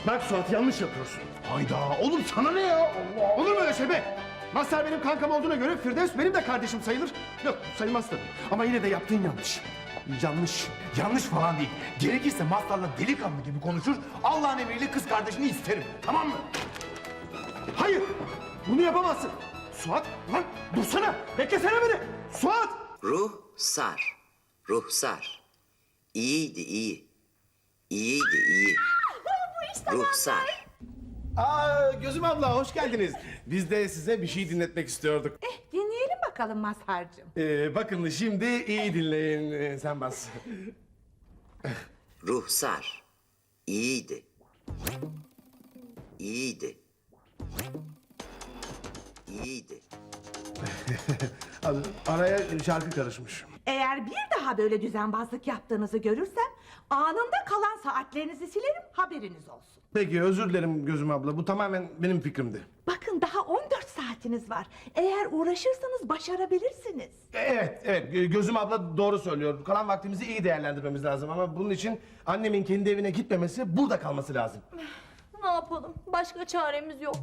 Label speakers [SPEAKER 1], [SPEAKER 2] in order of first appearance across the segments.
[SPEAKER 1] Bak Suat, yanlış yapıyorsun. Hayda, oğlum sana ne ya? Allah. Olur mu öyle şey be? Mazhar benim kankam olduğuna göre Firdevs benim de kardeşim sayılır. Yok, sayılmaz tabii. Ama yine de yaptığın yanlış. Yanlış.
[SPEAKER 2] Yanlış falan değil. Gerekirse Mazhar'la delikanlı gibi konuşur, Allah'ın emriyle kız kardeşini isterim. Tamam mı?
[SPEAKER 1] Hayır, bunu yapamazsın. Suat, lan dursana. Beklesene beni. Suat!
[SPEAKER 3] Ruhsar. Ruhsar. İyiydi iyi. İyiydi iyi. Ruhsar.
[SPEAKER 1] Gözüm abla, hoş geldiniz. Biz de size bir şey dinletmek istiyorduk.
[SPEAKER 4] Dinleyelim bakalım Mazhar'cığım.
[SPEAKER 1] Bakın şimdi iyi dinleyin, sen bas.
[SPEAKER 3] Ruhsar. İyiydi. İyiydi. İyiydi.
[SPEAKER 1] Araya şarkı karışmış.
[SPEAKER 4] Eğer bir daha böyle düzenbazlık yaptığınızı görürsem anında kalan saatlerinizi silerim, haberiniz olsun.
[SPEAKER 1] Peki, özür dilerim Gözüm abla. Bu tamamen benim fikrimdi.
[SPEAKER 4] Bakın daha 14 saatiniz var. Eğer uğraşırsanız başarabilirsiniz.
[SPEAKER 1] Evet, Gözüm abla doğru söylüyor. Kalan vaktimizi iyi değerlendirmemiz lazım ama bunun için annemin kendi evine gitmemesi, burada kalması lazım.
[SPEAKER 5] Ne yapalım? Başka çaremiz yok.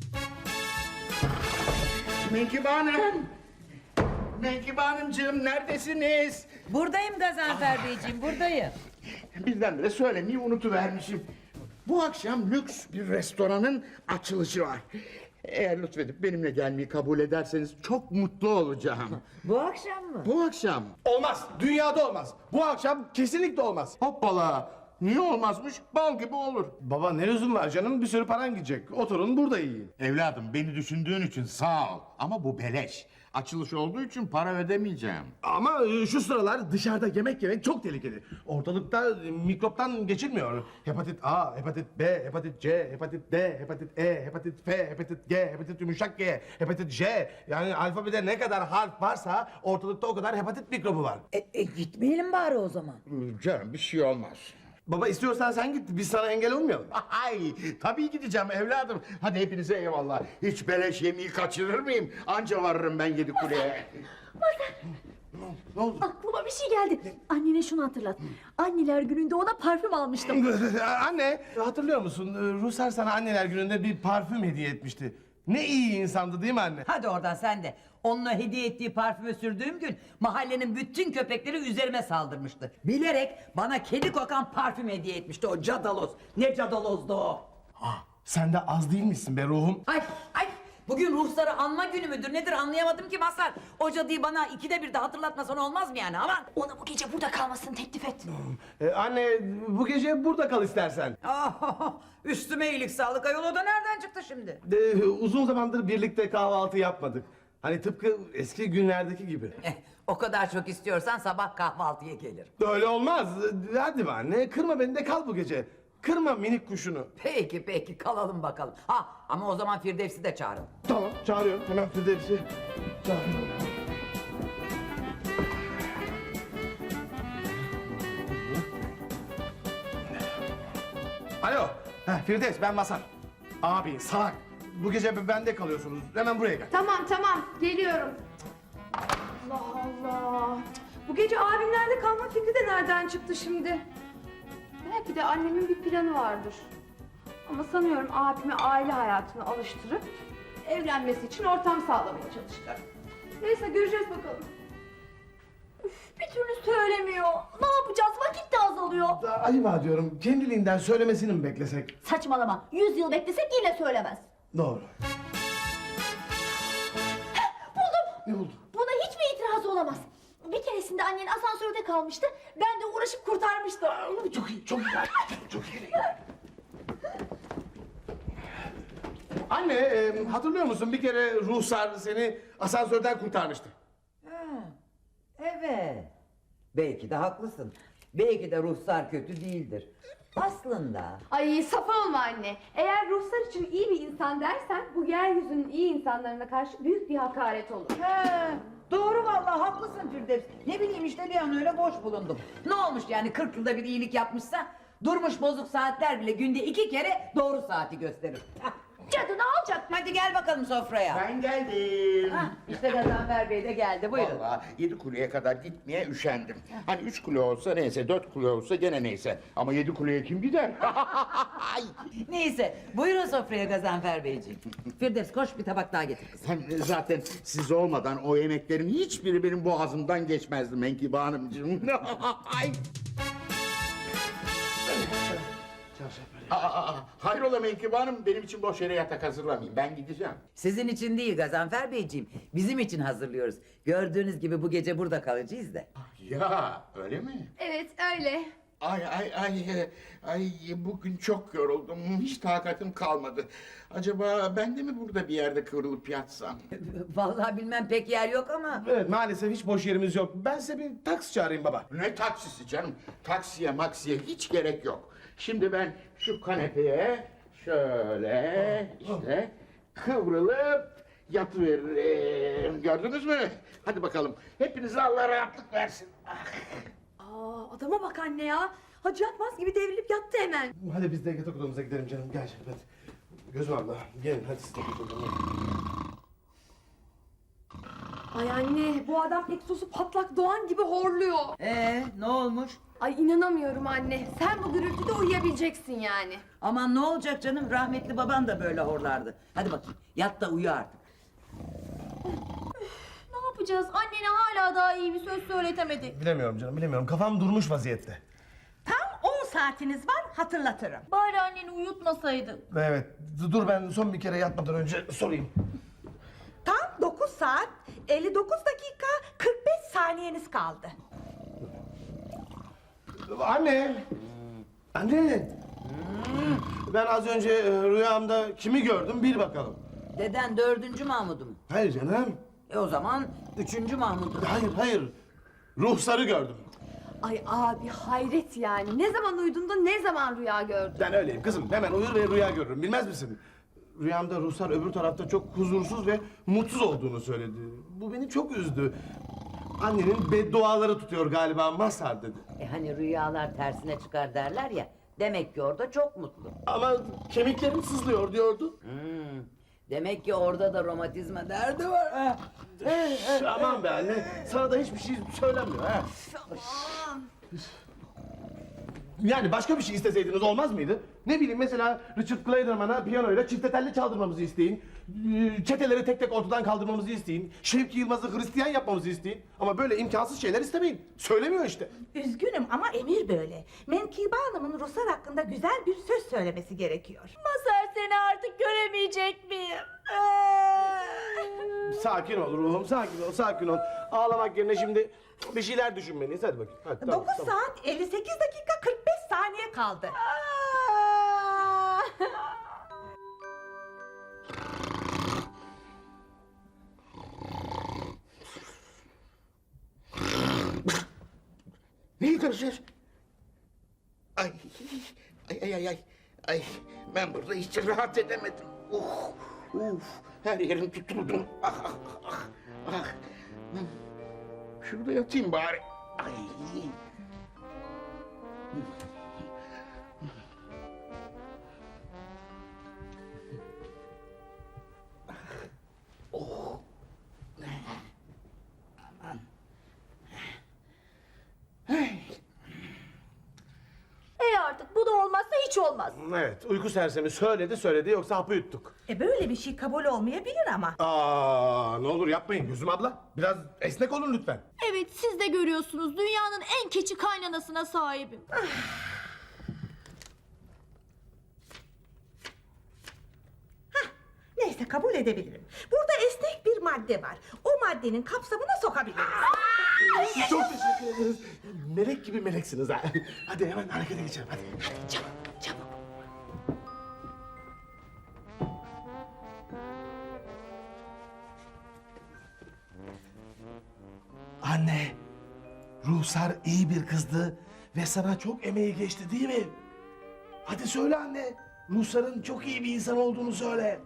[SPEAKER 6] Menkıbe Hanım! Menkıbe Hanımcığım neredesiniz?
[SPEAKER 7] Buradayım Gazanfer Beyciğim, buradayım.
[SPEAKER 6] Birdenbire söylemeyi unutuvermişim. Bu akşam lüks bir restoranın açılışı var. Eğer lütfedip benimle gelmeyi kabul ederseniz çok mutlu olacağım.
[SPEAKER 7] Bu akşam mı?
[SPEAKER 6] Bu akşam.
[SPEAKER 1] Olmaz, dünyada olmaz. Bu akşam kesinlikle olmaz.
[SPEAKER 6] Hoppala! Niye olmazmış? Bal gibi olur.
[SPEAKER 1] Baba ne lüzum var canım, bir sürü paran gidecek. Oturun burada yiyin.
[SPEAKER 6] Evladım beni düşündüğün için sağ ol. Ama bu beleş. Açılış olduğu için para ödemeyeceğim.
[SPEAKER 1] Ama şu sıralar dışarıda yemek yemek çok tehlikeli. Ortalıkta mikroptan geçilmiyor. Hepatit A, hepatit B, hepatit C, hepatit D, hepatit E, hepatit F, hepatit G, hepatit yumuşak G, hepatit J. Yani alfabede ne kadar harf varsa ortalıkta o kadar hepatit mikrobu var.
[SPEAKER 7] Gitmeyelim bari o zaman.
[SPEAKER 6] Canım bir şey olmaz.
[SPEAKER 1] Baba istiyorsan sen git, biz sana engel olmayalım.
[SPEAKER 6] Ay tabii gideceğim evladım. Hadi hepinize eyvallah. Hiç beleş yemeği kaçırır mıyım? Anca varırım ben Yedikuleye.
[SPEAKER 1] Ne oldu?
[SPEAKER 5] Aklıma bir şey geldi. Annene şunu hatırlat. Anneler gününde ona parfüm almıştım.
[SPEAKER 1] Anne, hatırlıyor musun? Ruhsar sana anneler gününde bir parfüm hediye etmişti. Ne iyi insandı değil mi anne?
[SPEAKER 7] Hadi oradan sen de. Onunla hediye ettiği parfümü sürdüğüm gün mahallenin bütün köpekleri üzerime saldırmıştı. Bilerek bana kedi kokan parfüm hediye etmişti o cadaloz. Ne cadalozdu o?
[SPEAKER 1] Sen de az değil misin be ruhum?
[SPEAKER 7] Ay bugün ruhsarı anma günü müdür nedir anlayamadım ki Mazhar. O cadıyı bana ikide bir de hatırlatmasan olmaz mı yani aman.
[SPEAKER 5] Ona bu gece burada kalmasını teklif et.
[SPEAKER 1] Anne, bu gece burada kal istersen.
[SPEAKER 7] Üstüme iyilik sağlık ayol o da nereden çıktı şimdi?
[SPEAKER 1] Uzun zamandır birlikte kahvaltı yapmadık. Hani tıpkı eski günlerdeki gibi.
[SPEAKER 7] O kadar çok istiyorsan sabah kahvaltıya gelirim.
[SPEAKER 1] Öyle olmaz. Hadi be anne, kırma beni de kal bu gece. Kırma minik kuşunu.
[SPEAKER 7] Peki kalalım bakalım. Ama o zaman Firdevs'i de çağırın.
[SPEAKER 1] Tamam, çağırıyorum. Hemen Firdevs'i çağırıyorum. Alo, Firdevs ben Mazhar. Abi, salak. Bu gece bende kalıyorsunuz. Hemen buraya gel.
[SPEAKER 8] Tamam geliyorum. Allah Allah. Bu gece abimlerde kalma fikri de nereden çıktı şimdi? Belki de annemin bir planı vardır. Ama sanıyorum abimi aile hayatına alıştırıp evlenmesi için ortam sağlamaya çalışacak. Neyse göreceğiz bakalım.
[SPEAKER 5] Üf, bir türlü söylemiyor. Ne yapacağız? Vakit de azalıyor.
[SPEAKER 1] Acaba diyorum, kendiliğinden söylemesini mi beklesek?
[SPEAKER 5] Saçmalama. 100 yıl beklesek yine söylemez.
[SPEAKER 1] Doğru.
[SPEAKER 5] Buldum.
[SPEAKER 1] Ne oldu?
[SPEAKER 5] Buna hiç mi itiraz olamaz? Bir keresinde annen asansörde kalmıştı. Ben de uğraşıp kurtarmıştım.
[SPEAKER 1] Çok iyi, çok iyi. Çok iyi. Anne, hatırlıyor musun? Bir kere Ruhsar seni asansörden kurtarmıştı.
[SPEAKER 7] Evet. Belki de haklısın. Belki de ruhsar kötü değildir. Aslında.
[SPEAKER 8] Ay saf olma anne. Eğer ruhsar için iyi bir insan dersen bu yeryüzünün iyi insanlarına karşı büyük bir hakaret olur.
[SPEAKER 7] Doğru vallahi haklısın Firdevs. Ne bileyim işte bir an öyle boş bulundum. Ne olmuş yani 40 yılda bir iyilik yapmışsa? Durmuş bozuk saatler bile günde 2 kere doğru saati gösterir.
[SPEAKER 5] Cadı ne olacak?
[SPEAKER 7] Hadi gel bakalım sofraya.
[SPEAKER 6] Ben geldim.
[SPEAKER 7] Hah, işte Gazanfer Bey de geldi. Buyurun.
[SPEAKER 6] Vallahi 7 kuleye kadar gitmeye üşendim. Hani 3 kule olsa neyse, 4 kule olsa gene neyse. Ama 7 kuleye kim gider? Ay!
[SPEAKER 7] Neyse, buyurun sofraya Gazanfer Beyciğim. Firdevs koş bir tabak daha getir kızım.
[SPEAKER 6] Hem zaten siz olmadan o yemeklerin hiçbiri benim boğazımdan geçmezdi Menkibe Hanımcığım. Ay! Hayrola Menkibe Hanım, benim için boş yere yatak hazırlamayın. Ben gideceğim.
[SPEAKER 7] Sizin için değil Gazanfer Beyciğim, bizim için hazırlıyoruz. Gördüğünüz gibi bu gece burada kalacağız da.
[SPEAKER 6] Ya öyle mi?
[SPEAKER 8] Evet öyle.
[SPEAKER 6] Ay bugün çok yoruldum. Hiç takatim kalmadı. Acaba ben de mi burada bir yerde kıvrılıp yatsam?
[SPEAKER 7] Vallahi bilmem pek yer yok ama.
[SPEAKER 1] Evet maalesef hiç boş yerimiz yok. Ben size bir taksi çağırayım baba.
[SPEAKER 6] Ne taksisi canım? Taksiye maksiye hiç gerek yok. Şimdi ben şu kanepeye şöyle işte kıvrılıp yatıveririm. Gördünüz mü? Hadi bakalım. Hepinize Allah rahatlık versin.
[SPEAKER 8] Aa, adama bak anne ya. Hacı yatmaz gibi devrilip yattı hemen.
[SPEAKER 1] Hadi biz de yatak odamıza gidelim canım. Gel hadi. Gözüm abla gelin hadi siz de yatak odamıza.
[SPEAKER 8] Ay anne bu adam egzozu patlak doğan gibi horluyor.
[SPEAKER 7] Ne olmuş?
[SPEAKER 8] Ay inanamıyorum anne. Sen bu gürültüde uyuyabileceksin yani.
[SPEAKER 7] Aman ne olacak canım, rahmetli baban da böyle horlardı. Hadi bakayım, yat da uyu artık.
[SPEAKER 5] Ne yapacağız? Annene hala daha iyi bir söz söyletemedi.
[SPEAKER 1] Bilemiyorum canım bilemiyorum. Kafam durmuş vaziyette.
[SPEAKER 4] Tam 10 saatiniz var, hatırlatırım.
[SPEAKER 5] Bari anneni uyutmasaydın.
[SPEAKER 1] Evet dur ben son bir kere yatmadan önce sorayım.
[SPEAKER 4] Tam 9 saat 59 dakika 45 saniyeniz kaldı.
[SPEAKER 1] Anne! Anne! Ben az önce rüyamda kimi gördüm bil bakalım.
[SPEAKER 7] Deden 4. Mahmud'u mu?
[SPEAKER 1] Hayır canım.
[SPEAKER 7] O zaman 3. Mahmud'u.
[SPEAKER 1] Hayır. Ruhsarı gördüm.
[SPEAKER 8] Ay abi hayret yani. Ne zaman uyudun da ne zaman rüya gördün?
[SPEAKER 1] Ben öyleyim kızım. Hemen uyur ve rüya görürüm. Bilmez misin? Rüyamda Ruhsar öbür tarafta çok huzursuz ve mutsuz olduğunu söyledi. Bu beni çok üzdü. Annenin bedduaları tutuyor galiba Mazhar dedi.
[SPEAKER 7] Hani rüyalar tersine çıkar derler ya. Demek ki orada çok mutlu.
[SPEAKER 1] Ama kemiklerim sızlıyor diyordu.
[SPEAKER 7] Demek ki orada da romatizma derdi var.
[SPEAKER 1] Aman be anne. Sana da hiçbir şey söylenmiyor ha. Yani başka bir şey isteseydiniz olmaz mıydı? Ne bileyim mesela Richard Clayderman'a piyanoyla çifte telli çaldırmamızı isteyin. Çeteleri tek tek ortadan kaldırmamızı isteyin. Şevki Yılmaz'ı Hristiyan yapmamızı isteyin. Ama böyle imkansız şeyler istemeyin. Söylemiyor işte.
[SPEAKER 4] Üzgünüm ama emir böyle. Menkibe Hanım'ın Ruslar hakkında güzel bir söz söylemesi gerekiyor.
[SPEAKER 5] Mazhar seni artık göremeyecek miyim?
[SPEAKER 1] Sakin ol ruhum, sakin ol. Ağlamak yerine şimdi bir şeyler düşünmeliyiz. Hadi bakayım. Hadi,
[SPEAKER 4] 9 saat 58 dakika 45 saniye kaldı.
[SPEAKER 6] Neyi karışır? Ay, ben burada hiç rahat edemedim. Her yerim tutuldu. Ah. Şurada yatayım bari. Ay.
[SPEAKER 5] Artık bu da olmazsa hiç olmaz.
[SPEAKER 1] Evet, uyku sersemi söyledi yoksa hapı yuttuk.
[SPEAKER 4] Böyle bir şey kabul olmayabilir ama.
[SPEAKER 1] Ne olur yapmayın gözüm abla. Biraz esnek olun lütfen.
[SPEAKER 5] Evet siz de görüyorsunuz dünyanın en keçi kaynanasına sahibim.
[SPEAKER 4] Neyse kabul edebilirim. Burada esnek bir madde var. O maddenin kapsamına sokabiliriz.
[SPEAKER 1] Çok teşekkür ederiz. Melek gibi meleksiniz ha. Hadi hemen harekete geçelim hadi.
[SPEAKER 5] Çabuk.
[SPEAKER 1] Anne, Ruhsar iyi bir kızdı ve sana çok emeği geçti değil mi? Hadi söyle anne. Ruhsar'ın çok iyi bir insan olduğunu söyle.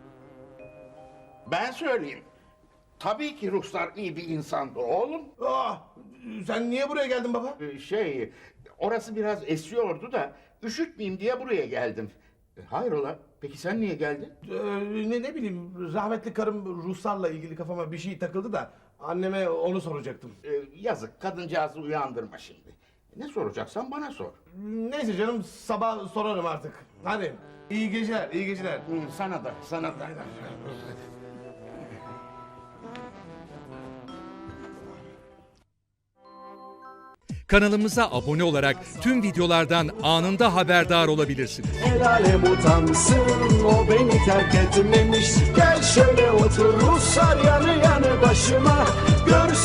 [SPEAKER 6] Ben söyleyeyim. Tabii ki Ruslar iyi bir insandı oğlum.
[SPEAKER 1] Sen niye buraya geldin baba?
[SPEAKER 6] Orası biraz esiyordu da üşütmeyeyim diye buraya geldim. Hayrola? Peki sen niye geldin?
[SPEAKER 1] Ne bileyim, rahmetli karım Ruslarla ilgili kafama bir şey takıldı da anneme onu soracaktım.
[SPEAKER 6] Yazık, kadıncağızı uyandırma şimdi. Ne soracaksan bana sor.
[SPEAKER 1] Neyse canım, sabah sorarım artık. Hadi, iyi geceler, iyi geceler.
[SPEAKER 6] Sana da, sana da.
[SPEAKER 9] Kanalımıza abone olarak tüm videolardan anında haberdar olabilirsiniz.
[SPEAKER 10] El alem utansın, o beni terk etmemiş. Gel şöyle otur Ruslar yanı yanı başıma. Görsün